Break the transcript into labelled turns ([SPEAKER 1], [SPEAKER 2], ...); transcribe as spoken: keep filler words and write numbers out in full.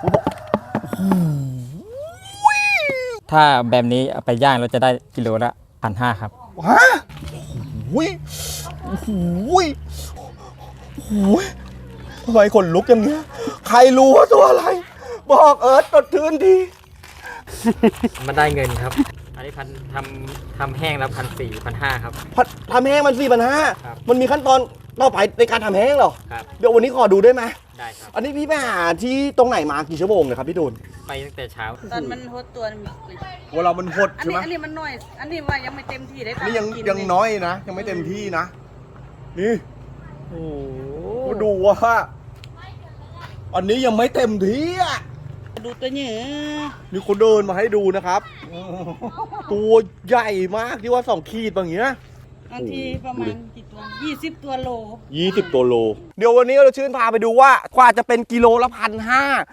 [SPEAKER 1] ถ้าแบบนี้เอาไปย่างเราจะได้กิโลละพันห้าครับ
[SPEAKER 2] ฮะโอ้ยโอ้ยโอ้ยทำไมขนลุกอย่างเงี้ยใครรู้ว่าตัวอะไรบอกเอิร์ธตดทืนที
[SPEAKER 1] มันได้เงินครับอันนี้พันทำทำแห้งแล้วพันสี่พันห้าครับ
[SPEAKER 2] ทำแห้งมันสี่พันห้ามันมีขั้นตอนต่อไปในการทำแห้งเหรอ
[SPEAKER 1] ครับ
[SPEAKER 2] เดี๋ยววันนี้ขอดูได้ไหม
[SPEAKER 1] ได้ครับ
[SPEAKER 2] อันนี้พี่ไปหาที่ตรงไหนมากี่ชั่วโมงเลยครับพี่ตูน
[SPEAKER 1] ไปตั้งแต่เช้า
[SPEAKER 3] ตอนมันหดตัวมี
[SPEAKER 2] เวลามันหด
[SPEAKER 3] อัน
[SPEAKER 2] ใช่ไห
[SPEAKER 3] นี้
[SPEAKER 2] ม
[SPEAKER 3] อันนี้มันน้อย อันนี้ว่ายังไม่เต็มที่ได้
[SPEAKER 2] นี่ยังยังน้อยนะยังไม่เต็มที่นะนี่โอ้ดูว่าอันนี้ยังไม่เต็มที่อ่ะ
[SPEAKER 3] ดูตัวเนี้ย
[SPEAKER 2] มีคนเดินมาให้ดูนะครับตัวใหญ่มากที่ว่าสองขีดแบบเนี้ย
[SPEAKER 3] บางทีประมาณกี่ตัวยี่สิบตัวโล
[SPEAKER 2] ยี่สิบตัวโลเดี๋ยววันนี้เราชื่นพาไปดูว่ากว่าจะเป็นกิโลละพันห้า